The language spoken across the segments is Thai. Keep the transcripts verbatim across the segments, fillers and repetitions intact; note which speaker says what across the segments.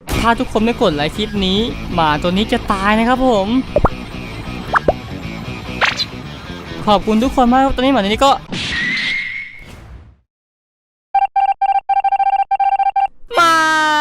Speaker 1: ถ้าทุกคนไม่กดไลค์คลิปนี้หมาตัวนี้จะตายนะครับผมขอบคุณทุกคนมากตอนนี้หมาตัวนี้ก็ไม่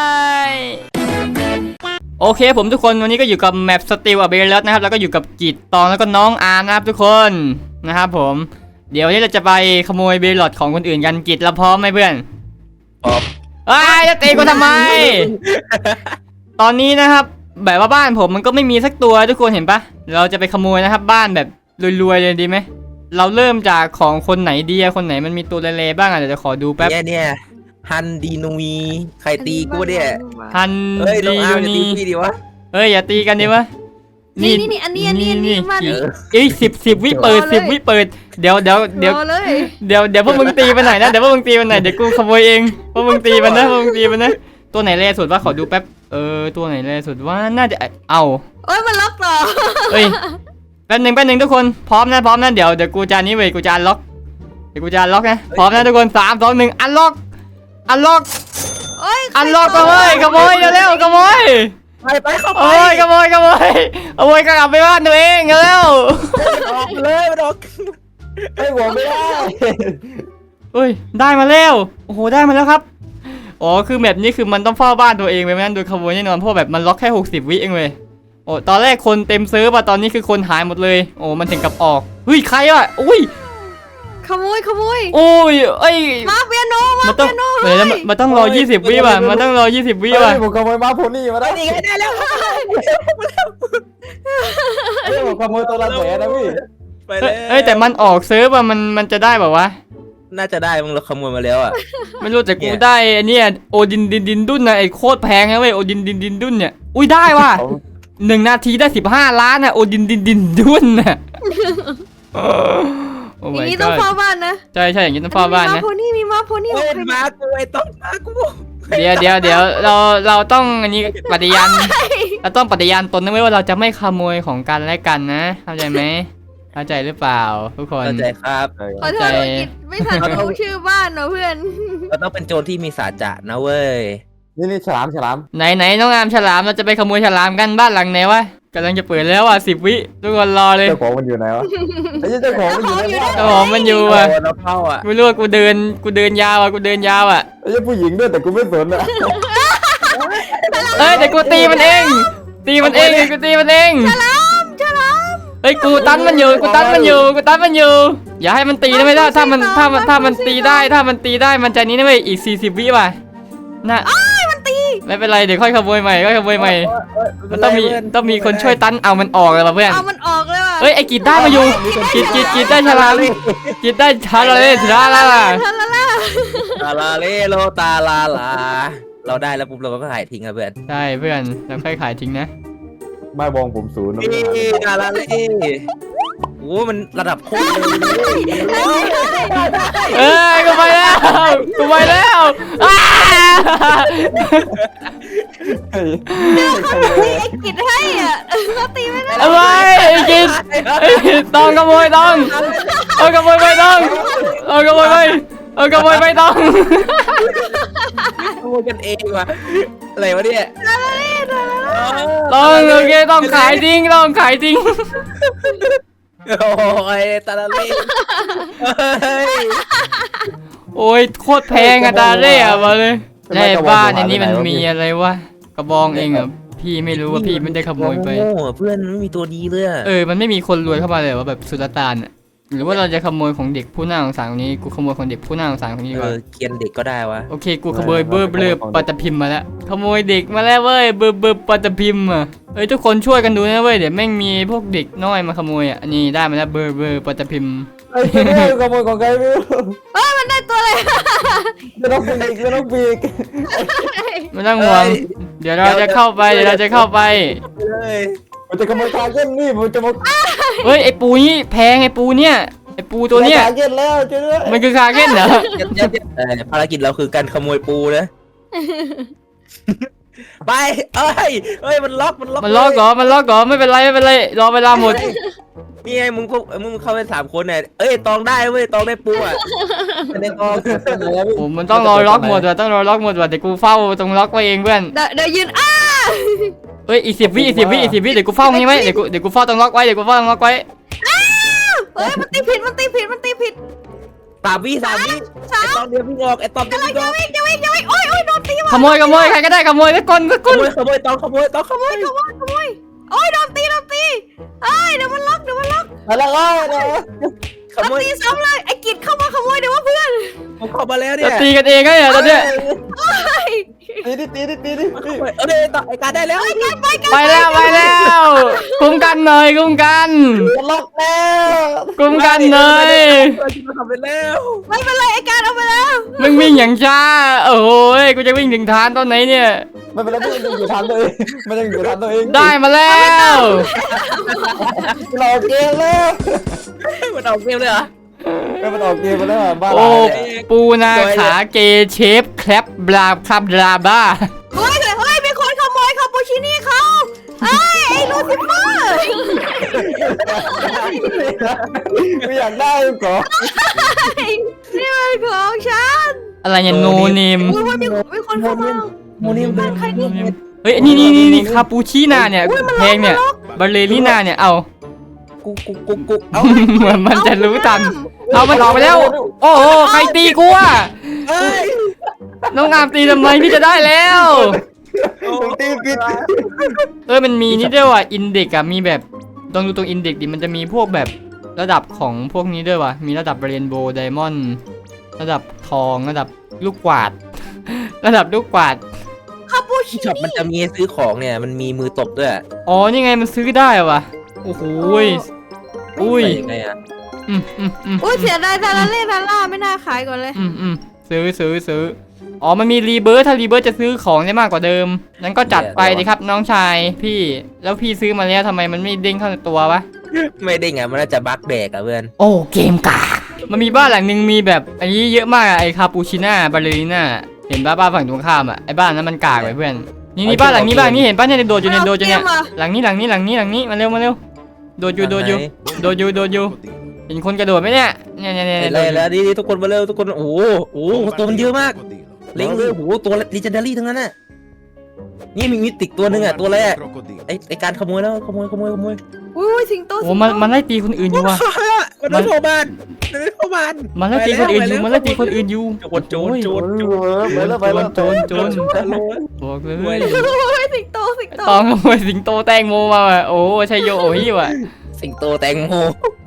Speaker 1: โอเคผมทุกคนวันนี้ก็อยู่กับแมปสติลอะเบลล์นะครับแล้วก็อยู่กับกิจตองแล้วก็น้องอาร์มนะครับทุกคนนะครับผมเดี๋ยวนี้เราจะไปขโมยเบลล์ของคนอื่นกันกิจเราพร้อมไหมเพื่อน
Speaker 2: พร้อม
Speaker 1: ไอ้จะตีกูทำไม ตอนนี้นะครับแบบว่าบ้านผมมันก็ไม่มีสักตัวทุกคนเห็นปะเราจะไปขโมยนะครับบ้านแบบรวยๆเลยดีไหมเราเริ่มจากของคนไหนดีอะคนไหนมันมีตัวเล่ๆบ้างอะเดี๋ยวจะขอดูแป๊บ
Speaker 2: เนี่ยเนี่ยฮันดีนุยใครตีกูเนี่ย
Speaker 1: ฮันดีนูนี
Speaker 2: ดีวะ
Speaker 1: เฮ้ยอย่าตีกันดิวะ
Speaker 3: นี่นี่อันนี้อันนี้อันนี้มาดิ
Speaker 1: เอ้ยสิบสิบวิเปิดสิบวิเปิดเดี๋ยวเดี๋ยวเดี๋ยวเดี๋ยวเดี๋ยวพวกมึงตีไปไหนนะเดี๋ยวพวกมึงตีไปไหนเดี๋ยวกูขโมยเองพวกมึงตีมันนะพวกมึงตีมันนะตัวไหนแร่สุดวะขอดูแป๊บเออตัวไหนแร่สุดว่าน่าจะเอา
Speaker 3: เอ้ยมันล็อกต่อ
Speaker 1: เฮ้ยแป๊บหนึ่งแป๊บหนึ่งทุกคนพร้อมนะพร้อมนะเดี๋ยวเดี๋ยวกูจะนี้เว้ยกูจะอันล็อกเดี๋ยวกูจะอันล็อกนะพร้อมนะทุกคนสามสองหนึ่งอันล็อกอันล็อกอันล็อกขโมยขโมยเร็วๆขโมย
Speaker 2: ไปไปเข้าไป
Speaker 1: โอ้ยขโมยขโมยขโมยกลับไปบ้านตัวเองเร็ว
Speaker 2: ออกเลยมันออกไอ้หัวไม่ได้
Speaker 1: เฮ้ยได้มาแล้วโอ้โหได้มาแล้วครับอ๋อคือแบบนี้คือมันต้องเฝ้าบ้านตัวเองไปไม่งั้นโดนขโมยแน่นอนเพราะแบบมันล็อกแค่หกสิบวิเองเลยโอ้ตอนแรกคนเต็มเซิร์ฟอะตอนนี้คือคนหายหมดเลยโอ้มันถึงกับออกเฮ้ยใครอะอุ้ย
Speaker 3: ขโมยขโมย
Speaker 1: โอ้ยเอ้ย
Speaker 3: มาเปียโนมา
Speaker 1: เปียโนเดี๋ยวมันต้องรอยี่สิบวิป่ะมันต้องรอยี่สิบวิป่ะ
Speaker 4: ผมขโมยมาโพนี่มาได้
Speaker 2: นี่ไงได้แล้ว
Speaker 4: ผมขโมยตัวละแสนนะพี่
Speaker 2: ไปเลย
Speaker 1: เอ้ยแต่มันออกเซิร์ฟอะมันมันจะได้แบบวะ
Speaker 2: น่าจะได้มึงเราขโมยมาแล้วอ่ะ
Speaker 1: ไม่รู้แต่กูได้เนี่ยโอดินดินดินดุนนะไอ้โคตรแพงนะเว้ยโอดินดินดินดุนเนี่ยอุ้ยได้ว่ะหนึ่งนาทีได้สิบห้าล้านนะโอดินดินดินดุนน่ะ
Speaker 3: อย่างนี้ต้องเฝ้าบ้านนะ
Speaker 1: ใช่ใช่อย่างนี้ต้องเฝ้าบ้านนะ
Speaker 3: มีมาโพนี่มีมาโพนี่
Speaker 2: เป็นมากูไอ้ต้องมากู
Speaker 1: เดี๋ยวเดี๋ยวเดี๋ยวเราเราต้องอันนี้ปฏิญาณเราต้องปฏิญาณตนนะเว้ยว่าเราจะไม่ขโมยของกันและกันนะเข้าใจไหมเข้าใจหรือเปล่าทุกคน
Speaker 2: เข้าใจครับ
Speaker 3: ขอโทษไม่ทันรู้ชื่อบ้านเนาะเพื่อน
Speaker 2: เราต้องเป็นโจรที่มีสัจจะนะเว้ย
Speaker 4: นี่นี่ฉลามฉลาม
Speaker 1: ไหนไหนน้องอามฉลามเราจะไปขโมยฉลามกันบ้านหลังไหนวะกำลังจะเปิดแล้วอ่ะสิบวิทุกคนรอเลย
Speaker 4: เจ้าของมันอยู่ไหนวะไอ้เจ้าของมันอยู่ไหน
Speaker 1: เจ้าของมันอยู่อ่ะ
Speaker 2: เราเข้าอ่ะ
Speaker 1: ไม่รู้ว่ากูเดินกูเดินยาวอ่ะกูเดินยาวอ่ะ
Speaker 4: ไอ้เจ้าผู้หญิงด้วยแต่กูไม่สนอ่ะ
Speaker 1: เอ้ยแต่กูตีมันเองตีมันเองกูตีมันเอง
Speaker 3: ฉลามฉลาม
Speaker 1: เฮ้ยกูตันมันอยู่กูตันมันอยู่กูตันมันอยู่อย่าให้มันตีได้ไหมถ้าถ้ามันถ้ามันถ้ามันตีได้ถ้ามันตีได้มันจะนี้นะเว้ยอีกสี่สิบวิว่ะน่ะ
Speaker 3: มันตี
Speaker 1: ไม่เป็นไรเดี๋ยวค่อยขโมยใหม่ค่อยขโมยใหม่มันต้องมีต้องมีคนช่วยตันเอามันออกเลยป่ะเพื่อน
Speaker 3: เอามันออกเลยว่ะ
Speaker 1: เฮ้ยไอ้กีดได้มาอยู่กีดกีดกีดได้ฉลามกีดได้ฉลามเลยฉลามละ
Speaker 2: ตาลาเลโลตาลาลาเราได้แล้วปุ๊บเราก็ขายทิ้งครับเพื่อน
Speaker 1: ใช่เพื่อนเราค่อยขายทิ้งนะ
Speaker 4: ไม่บองผมศูนย์นะ
Speaker 2: ตาลาเลโอ้มันระดับโคตรเลย
Speaker 1: เอ้ยกูไปแล้วกูไปแล้วอ้า
Speaker 3: ไอ้กิดให้อ่ะเขาตีไม่ได้
Speaker 1: อะไรไอ้กิดต้องขโมยต้องเอาขโมยไปต้องเอาขโมยไปเอาขโมยไปต้อง
Speaker 2: ขโมยกันเองว่ะอะไรวะเนี่ย
Speaker 1: ต้องโอเคต้องขายทิ้งต้องขายทิ้ง
Speaker 2: โอ้ยตาลาเล่
Speaker 1: โอ้ยโคตรแพงอะตาเล่อะมาเลยในบ้านในนี้มันมีอะไรวะกระบองเองอะพี่ไม่รู้ว่าพี่ไม่ได้ขโมยไป
Speaker 2: เพื่อนไม่มีตัวดีเลย
Speaker 1: เออมันไม่มีคนรวยเข้ามาเลยว่าแบบสุลต่านอะหรือว่าเราจะขโมยของเด็กผู้น่าสงสารคนนี้กูขโมยของเด็กผู้น่าสงสารคนนี้ดีกว่า
Speaker 2: เกียนเด็กก็ได้วะ
Speaker 1: โอเคกูขโมยเบอร์เบอร์ปัตตพิมพ์มาแล้วขโมยเด็กมาแล้วเว้ยเบอร์เบอร์ปัตตพิมพ์อะเอ้ยทุกคนช่วยกันดูนะเว้ยเดี๋ยวแม่งมีพวกเด็กน้อยมาขโมยอ่ะนี่ได้มาแล้วเบอร์เบอร์ปัตตพิมพ์
Speaker 4: ไอ้ขโมยของใครไม่รู้
Speaker 3: เอ้ยมันได้ตัวอะไร
Speaker 4: จะต้องปีกจะต้องปีก
Speaker 1: ไม่ต้องห่วงเดี๋ยวเราจะเข้าไปเดี๋ยวเราจะเข้าไป
Speaker 4: มันจะขโมยคาเก้นนี่มันจะมา
Speaker 1: เฮ้ยไอ้ปูนี่แพงไอ้ปูเนี่ยไอ้ปูตัวเนี้ย
Speaker 4: คาเก้นแล้วเจ้าด้วย
Speaker 1: มันคือคาเก้นเหรอ
Speaker 2: ภารกิจเราคือการขโมยปูนะไปเอ้ยเอ้ยมันล็อกมันล็อก
Speaker 1: มันล็อกก่อมันล็อกก่อไม่เป็นไรไม่เป็นไรรอเวลาหมด
Speaker 2: นี่ไงมึงพวกมึงเข้าไปสามคนเนี่ยเอ้ยตองได้เว้ยตองได้ปูอ่ะในตอง
Speaker 1: ผมมันต้องรอล็อกหมดว่ะต้องรอล็อกหมดว่ะเดี๋ยวกูเฝ้าตรงล็อกไว้เองเพื่อน
Speaker 3: เดี๋ยวยืนอ้า
Speaker 1: เอ้ยอีกสิบวิอีกสิบวิอีกสิบวิเดี๋ยวกูเฝ้างี้ไว้เดี๋ยวกูเดี๋ยวกูเฝ้าตรงล็อกไว้เดี๋ยวกูเฝ้าตรงล็อกไว้
Speaker 3: เฮ้ยมันตีผิดมันตีผิดมันตีผิด
Speaker 2: สามวิสามวิ
Speaker 3: สา
Speaker 2: ไอ้
Speaker 3: ม
Speaker 2: ตองเดียวพี่งออกไอ้ตองเดียว
Speaker 3: กำลัง
Speaker 2: พี่ง
Speaker 3: จะ
Speaker 2: อก
Speaker 3: วิ่งจะวิ่งจะวิ่งโอ้ยโอ้ยโดนตีว่ะ
Speaker 1: ขโมยขโมยใครก็ได้ขโมยสักคนสัก
Speaker 2: ข
Speaker 1: คน
Speaker 2: โมยขโมยตองขโมยตองขโมย
Speaker 3: ขโมยขโมยโอ้ยโดนตีโดนตีเอ้ยเดี๋ยวมันล็อกเดี๋ยวมันล็อก
Speaker 4: อะไรก็ได้
Speaker 2: ขโมย
Speaker 3: ตีซ้ำเลยไอ้กิจเข้ามาขโมยเดี๋ยวว่าเพื่อน
Speaker 2: ผมเข้ามาแล้วเนี่
Speaker 1: จะ
Speaker 2: ย
Speaker 1: ตีกันเองก็เนี่ยตอนเนี้ย
Speaker 4: ตีดิตีดิตีดิ
Speaker 2: เออเดี๋ยวต่อไอ้การได้แล้ว
Speaker 3: ไปกันไปกัน
Speaker 1: ไปแล้วไปแล้วคุ้มกันหน่อยคุ้มกัน
Speaker 4: จะล็อกแล้ว
Speaker 1: คุ้มกันหน่อย
Speaker 2: เราจะทำไปแล้ว
Speaker 3: ไม่เป็นไรไอ้การเอาไปแล้ว
Speaker 1: มึงวิ่งอย่างช้าโอ้ยกูจะวิ่งถึงฐานตอนไหนเนี่ย
Speaker 4: ไม่เป็นไรพี่มันอยู่ทางตัวเองมันยังอยู่ทางตัวเอง
Speaker 1: ได้มาแล้ว
Speaker 4: เราเกมแล้ว
Speaker 2: มันออกเกมเลยเหรอ
Speaker 4: ไม่มันออกเกมไปแล้วบ้า
Speaker 1: โอ้ปูนาขาเกเชฟแคลปบลาคาบลาบ้า
Speaker 3: เฮ้ยเฮ้ยมีคนขโมยคาปูชินี่เขาเอ้ยไอ้ลูซิเฟอร์
Speaker 4: ไม่อยากได้หรอ
Speaker 3: นี่มันของฉัน
Speaker 1: อะไรเนี่ยโนเนม
Speaker 3: อุ้ยมีมีคนเข้ามา
Speaker 2: โมนี่มัน
Speaker 3: บ้านใครนี่
Speaker 1: เฮ้ยนี่นี่นี่นี่คาปูชิน่าเนี่ยเพลงเนี่ยบาเลริน่าเนี่ยเอา
Speaker 2: กุ๊กกุ๊กกุ๊กกุ๊กเอ้า
Speaker 1: เหมือนมันจะรู้ทันเอามันออกไปแล้ว โอ้โหใครตีกูอ่ะ
Speaker 2: เอ้ย
Speaker 1: น้องอามตีทำไมพี่จะได้แล้ว
Speaker 4: ผมตีผิด
Speaker 1: เอ้ยมันมีนี่ด้วยว่ะอินเด็กอะมีแบบลองดูตรงอินเด็กดิมันจะมีพวกแบบระดับของพวกนี้ด้วยว่ะมีระดับเรนโบว์ไดมอนด์ระดับทองระดับลูกกวาด ระดับลูกกวาด
Speaker 3: คาปูชิ
Speaker 2: ที่ช็อปมันจะมีให้ซื้อของเนี่ยมันมีมือตบด้วย
Speaker 1: อ๋อนี่ไงมันซื้อได้ว่ะโอ้โหยอุ้ย
Speaker 2: ใส่ยังไงอะ
Speaker 1: อืมอืมอืม
Speaker 3: อุ้ยเสียดายทาราเล่ทาร่าไม่น่าขายก่อนเลย
Speaker 1: อืมอืมซื้อซื้อซื้ออ๋อมันมีรีเบิร์ถ้ารีเบิร์จะซื้อของได้มากกว่าเดิมนั้นก็จัดไปดิครับน้องชายพี่แล้วพี่ซื้อมาแล้วทำไมมันไม่เด้งเข้าตัววะ
Speaker 2: ไม่ได้ไงมันน่าจะบั๊กแดกอะเพื่อน
Speaker 1: โอ้เกมกากมันมีบ้านหลังหนึ่งมีแบบอันนี้เยอะมากอะไอคาปูชิน่าบาเลริน่าเห็นบ้าบ้านฝั่งตรงข้ามอ่ะไอบ้านนั้นมันกากไปเพื่อนนี่นี่บ้านหลังนี้บ้านนี้เห็นป้าเนี่ยโดดอยู่เนี่ยโดดอยู่เนี่ยหลังนี้หลังนี้หลังนี้หลังนี้มาเร็วมาเร็วโดดอยู่โดดอยู่โดดอยู่โดดอยู่เห็นคนกระโดดไหมเนี่ยเนี่ยเนี่ยเนี่ย
Speaker 2: เห็น
Speaker 1: โด
Speaker 2: เล
Speaker 1: ด
Speaker 2: ย
Speaker 1: อยู่
Speaker 2: แล้วนี่ทุกคนมาเร็วทุกคนโอ้โหโอ้โหตัวมันเยอะมากเล้งเลยโอ้โหตัวลีเจนดารี่ทั้งนั้นน่ะนี่มีมิติกตัวหนึ่งอะตัวแรกไอไอการขโมยแล้วขโมยขโมยขโมย
Speaker 3: อุ้ยสิงโต
Speaker 1: โอ้มันมันไล่ตีคนอื่นอยู่ว่ะ
Speaker 2: มันไม่เข้าบ้านมันไม่เข้าบ้าน
Speaker 1: มันไล่ตีคนอื่นอยู่มันไล่ตีคนอื่นอยู่
Speaker 2: โจรโจรโจร
Speaker 4: ไปแล้วไปแล้ว
Speaker 1: โจรโจรบอกเลย
Speaker 3: อุ้ยสิงโตสิงโต
Speaker 1: ตองขโมยสิงโตแตงโมมาว่ะโอ้ชัยโยโอ้ยว่ะ
Speaker 2: สิงโตแตงโม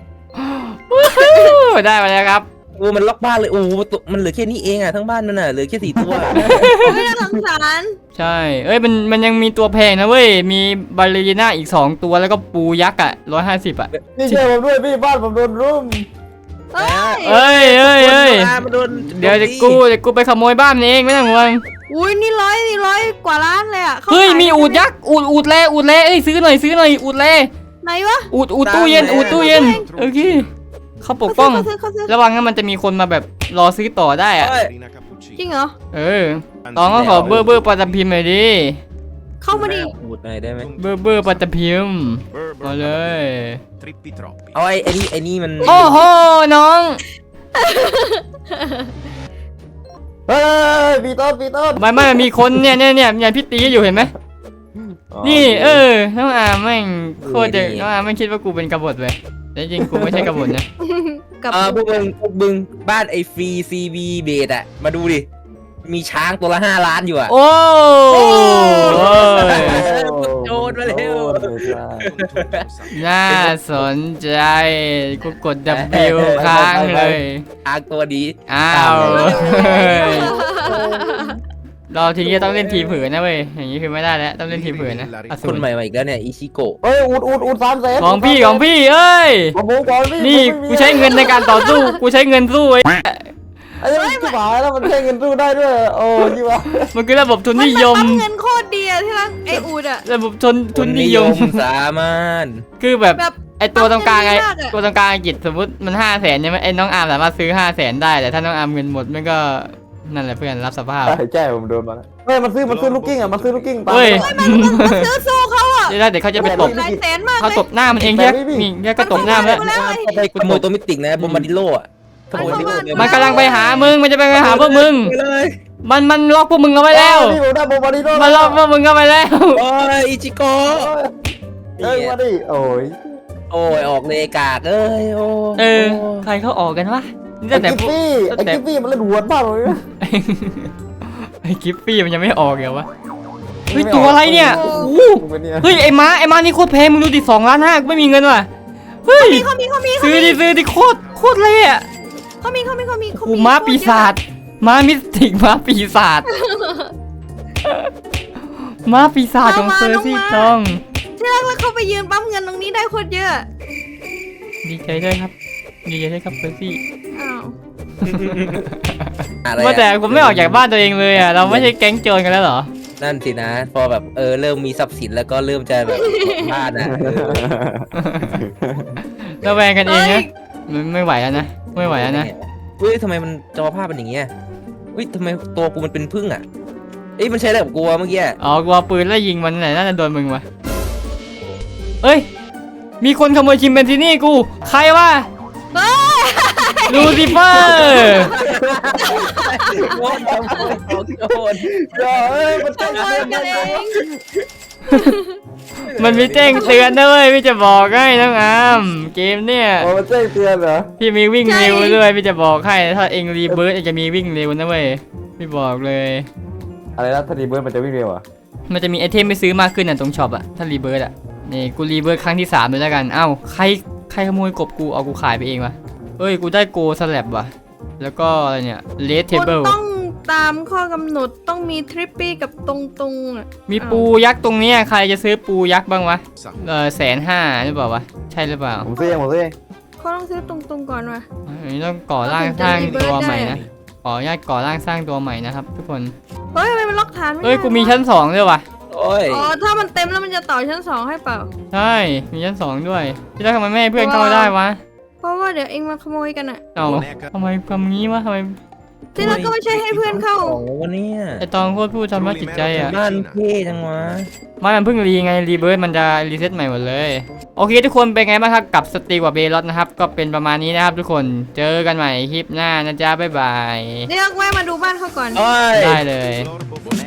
Speaker 1: ได้มาแล้วครับ
Speaker 2: โอ้มันล็อกบ้านเลยโอ้ตัวมันเหลือแค่นี้เองอะทั้งบ้านมันอะเหลือแค่สี่ตัว
Speaker 3: ไม่น่าสงสาร
Speaker 1: ใช่ เอ้ย มัน มันยังมีตัวแพงนะเว้ย มีบาเลริน่าอีกสองตัว แล้วก็ปูยักษ์อ่ะร้อยห้าสิบอ่ะ
Speaker 4: นี่ช่วยผมด้วยพี่บ้านผมโดนรุม
Speaker 3: เฮ้ย
Speaker 1: เอ้ยเอ้ยเอ้ย
Speaker 2: มันโดน
Speaker 1: เดี๋ยวเดี๋ยวกูเดี๋ยวกูไปขโมยบ้านมันเองไม่ต้องห่วง
Speaker 3: อุ้ยนี่ร้อยนี่ร้อยกว่าล้านเลยอ่ะขา
Speaker 1: เฮ้ย
Speaker 3: ขาย
Speaker 1: มีอูดยักษ์ อูด อูดเล่อูดเล่เอ้ย ซื้อหน่อย ซื้อหน่อย อูดเล่
Speaker 3: ไหนวะ
Speaker 1: อูด อูดตู้เย็น อูดตู้เย็น โอเค เขาปกป้อง
Speaker 3: เขาซื้อเขาซื้อ
Speaker 1: ระวังนะมันจะมีคนมาแบบรอซื้อต่อได้อ่ะ
Speaker 3: จริงเหรอ
Speaker 1: เออตองก็ขอเบอร์เบอร์ปาตะพิมพ์หน่อยดิ
Speaker 3: เข้ามาดิ
Speaker 2: พูดหน่อยได้ไหม
Speaker 1: เบอร์เบอร์ปาตะพิมพ์มาเลย
Speaker 5: Trippi troppi.
Speaker 2: เอาไอ้ไอ้นี่ไอ้นี่มัน
Speaker 1: โอ้โห น้อง
Speaker 4: เฮ้ยปีต้นปีต้น
Speaker 1: ไม่ไม่มีคนเนี่ยเนี่ยเนี่ยเนี่ยพี่ตีอยู่เห็นไหม นี่เออ น้องอาร์มแม่งโคตรจะน้องอาร์มไม่คิดว่ากูเป็นกบฏเลยแต่จริงกูไม่ใช่กบฏนะ
Speaker 3: กับ
Speaker 2: เออพวกมึงพวกมึงบ้านไอ้ฟรีซีบีเบดอะมาดูดิมีช้างตัวละห้าล้านอยู่อะ
Speaker 1: โอ้ย
Speaker 2: โจรมาเร็ว
Speaker 1: น่าสนใจกูกด W ค้างเลย
Speaker 2: ช้างตัวดี
Speaker 1: อ้าวเฮ้ยเราทีนี้ต้องเล่นทีมผืนนะเว้ยอย่างนี้คือไม่ได้แล้วต้องเล่นทีมผืนนะอสู
Speaker 2: คน
Speaker 1: ร
Speaker 2: ใหม่มาอีกแล้วเนี่ยอิชิโกะ
Speaker 4: เฮ้ยอูดอูดอูดสามแสน
Speaker 1: ของพี่ของพี่เอ้ย
Speaker 4: ของผมก่อนพี่
Speaker 1: นี่กูใช้เงินในการต่อสู้กูใช้เงินสู้ไอ้
Speaker 4: ไอ้นี่ที่หายแล้วมันใช้เงินสู้ได้ด้วยโอ้ยวะ
Speaker 1: มันคือระบบทุน
Speaker 3: มัน
Speaker 1: นิยม
Speaker 3: ปั๊มเงินโคตรดีอะที่รักไออูดอะ
Speaker 1: ระบบทุนทุนนิยม
Speaker 2: สามารถ
Speaker 1: คือแบบ
Speaker 3: แบบ
Speaker 1: ไอตัวตรงกลางไอ
Speaker 3: ปั๊มเงินดีมากอะ
Speaker 1: ตัวตรงกลางไอกิจสมมติมันห้าแสนใช่ไหมไอน้องอาร์มสามารถซื้อห้าแสนได้แต่ถ้าน้องอาร์มเงินหมดมันก็นั่นแหละเพื่อนรับสภาพ
Speaker 4: ใช่แจ้ผมโดนมาแล้วเฮ้ยมันซื้อมันซื้อลูกกิ้งอ่ะมันซื้อลูกกิ้งตาม
Speaker 1: เฮ้ย
Speaker 3: มันซื้อสู้เขาอะ
Speaker 1: เดี๋ยวเดี๋ยวเขาจะไปตบ
Speaker 3: หลายแสนมาก
Speaker 1: เขา
Speaker 3: เลย
Speaker 1: ตบหน้ามันเองแค่มีแค่ก็ตบหน้ามันแล้ว
Speaker 2: ไปขโมยตัวมิติกนะบอมบาดิโลอะขโมยมิติก
Speaker 1: มันกำลังไปหามึงมันจะไปหาพวกมึง
Speaker 2: ไปเลย
Speaker 1: มันมันล็อกพวกมึงเอาไว้แล้ว
Speaker 4: พี่ผมได้โบบาริโด
Speaker 1: มันล็อกพวกมึงเอาไว้แล้ว
Speaker 2: โอ้ยอิจิโกะ
Speaker 4: เอ้ยมาดิโอ้ย
Speaker 2: โอ้ยออกเลยกากเอ้ยโอ้
Speaker 1: เออใครเขาออกกันวะนี่
Speaker 4: ไอ้
Speaker 1: ตั้งแต่
Speaker 4: กิฟ
Speaker 1: พวก
Speaker 4: ฟี่ไอ้กิฟฟี่มันเล่นหัวมากเลยนะ
Speaker 1: ไอ้กิฟฟี่มันยังไม่ออกเหรอวะเฮ้ยตัวอะไรเนี่ยโอ้โห
Speaker 4: มึงเป็นเนี่ย
Speaker 1: เฮ้ยไอ้ม้าไอ้ม้านี่โคตรแพงมึงดูดิสองล้านห้ากูไม่มีเงินว่ะเฮ้ย
Speaker 3: เขามีเขามีเขา
Speaker 1: ซื้อ
Speaker 3: มี
Speaker 1: ดิซื้อดิโคตรโคตรเลยอ่ะ
Speaker 3: เขามีเขามีเขามีเขา
Speaker 1: โอ้
Speaker 3: มี
Speaker 1: ม้าปีศาจม้ามิสติกม้าปีศาจม้าปีศาจของเซอร์ซี่ตอง
Speaker 3: ที่รักแล้วเขาไปยืนปั๊มเงินตรงนี้ได้โคตรเยอะ
Speaker 1: ดีใจด้วยครับดีใจด้วยครับเซอร์ซี่
Speaker 3: อ้าว
Speaker 2: อะไร
Speaker 1: ว่าแต่
Speaker 2: อะ
Speaker 1: ผมไม่ออกจากบ้านตัวเองเลยอ่ะเราไม่ใช่แก๊งโจรกันแล้วเหรอ
Speaker 2: นั่นสินะ พอแบบเออเริ่มมีทรัพย์สินแล้วก็เริ่มจะแบบบ้านอ่ะเออ
Speaker 1: ระแวงกันเองนะไม่ไม่ไหวแล้วนะไม่ไหวแล้วนะ
Speaker 2: เฮ้ยทำไมมันจอภาพเป็นอย่างเงี้ยเฮ้ยทำไมตัวกูมันเป็นพึ่งอ่ะเอ้ยมันใช้อะไรกับกูวะเมื่อกี้
Speaker 1: อ๋อกลัวปืนแล้วยิงมันไหนน่าจะโดนมึงวะเอ้ยมีคนขโมยชิมเปนซินี่กูใครวะ
Speaker 3: เฮ้ย
Speaker 1: ลูซิเฟอร์
Speaker 2: โอ้ยโอ้ยโอ้ย
Speaker 4: เฮ้ยมัน
Speaker 3: ขโมยกันเอง
Speaker 1: มันมีแจ้งเตือนนะเว้ยพี่จะบอกให้น้องอามเกมเนี่ย
Speaker 4: โอ้มันแจ้งเตือนเหรอ
Speaker 1: พี่มีวิ่งเร็วด้วยพี่จะบอกให้ถ้าเองรีเบิร์ตจะมีวิ่งเร็วนะเว้ยพี่บอกเลย
Speaker 4: อะไรนะถ้าดีเบิร์ดมันจะวิ่งเร็วอ่ะ
Speaker 1: มันจะมีไอเทมไปซื้อมากขึ้นอ่ะตรงช็อปอ่ะถ้ารีเบิร์ตอ่ะนี่กูรีเบิร์ตครั้งที่สามเลยแล้วกันเอ้าใครใครขโมยกบกูเอากูขายไปเองวะเอ้ยกูได้โกสแลบว่ะแล้วก็อะไรเนี่ยเลดเท
Speaker 3: คุณ
Speaker 1: เบิล
Speaker 3: ต้องตามข้อกำหนดต้องมีทริปปี้กับตรงตรงๆอะ
Speaker 1: มีปูยักษ์ตรงเนี้ยใครจะซื้อปูยักษ์บ้างวะเออแสนห้าหรือเปล่าวะใช่หรือเปล่า
Speaker 4: ผมซื้อเองผมซื้อเอง
Speaker 3: เขาต้องซื้อตรงตรงๆก่อนว่ะ
Speaker 1: อันนี้ต้องก่อร่างสร้างตัวใหม่นะขออนุญาตก่อร่างสร้างตัวใหม่นะครับทุกคน
Speaker 3: เฮ้ยทำไมมันล็อกฐานไม่ได้
Speaker 1: เอ้ยกูมีชั้นสองด้วยว่ะ
Speaker 2: โอ้ย
Speaker 3: อ๋อถ้ามันเต็มแล้วมันจะต่อชั้นสองให้เปล่า
Speaker 1: ใช่มีชั้นสองด้วยที่แรกทำไมไม่ให้เพื่อนเข้าได้วะ
Speaker 3: เพราะว่าเดี๋ยวเองมาขโมยกันอะ
Speaker 1: เอ้าทำไมทำงี้วะทำไม
Speaker 3: ที่รักก็ไม่ใช่ให้เพื่อนเข้า
Speaker 2: ของวันนี้
Speaker 1: ไอตองโคตรพูดทำร้ายจิตใจอ่ะ
Speaker 2: บ้านเท่จังวะ
Speaker 1: ไม่มันเพิ่งรีไงรีเบิร์ดมันจะรีเซ็ตใหม่หมดเลยโอเคทุกคนเป็นไงบ้างครับกับสตีกว่าเบลอสนะครับก็เป็นประมาณนี้นะครับทุกคนเจอกันใหม่คลิปหน้านะจ๊ะบ๊ายบาย
Speaker 3: เรียกแวะมาดูบ้านเขาก่อน
Speaker 2: โอ้ย
Speaker 1: ได้เลย
Speaker 5: Flor Bobonera